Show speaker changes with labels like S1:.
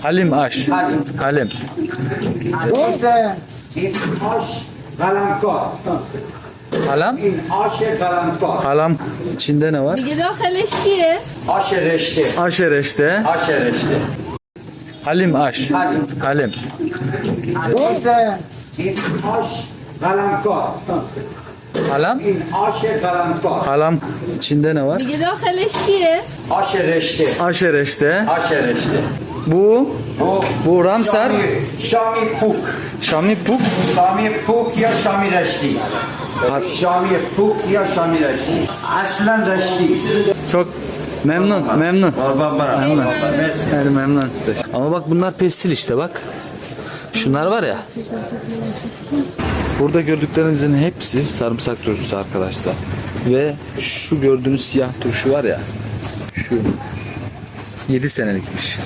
S1: Halim aş. Halim.
S2: Bu ise in aş kalamkar.
S1: Halam.
S2: In aş kalamkar.
S1: Halam içinde ne var?
S3: میگه داخلش چیه؟
S2: Aş reşte.
S1: Aşereşte.
S2: Aş reşte.
S1: Halim aş. Halim.
S2: Bu ise in aş kalamkar.
S1: Halam.
S2: In aş kalamkar.
S1: Halam içinde ne var?
S3: میگه داخلش چیه؟
S2: Aş reşte.
S1: Aşereşte.
S2: Aş reşte.
S1: Bu.
S2: Bu
S1: Bu Ramsar.
S2: Şami Puk.
S1: Şami Puk.
S2: Şami Puk ya Şami Reşti. Şami Puk ya Şami Reşti. Aslen Reşti.
S1: Çok memnun. Memnun.
S2: Baba.
S1: Memnun. Yani memnun. Ama bak bunlar pestil işte bak. Şunlar var ya. Burada gördüklerinizin hepsi sarımsak turşusu arkadaşlar. Ve şu gördüğünüz siyah turşu var ya. Şu 7 senelikmiş.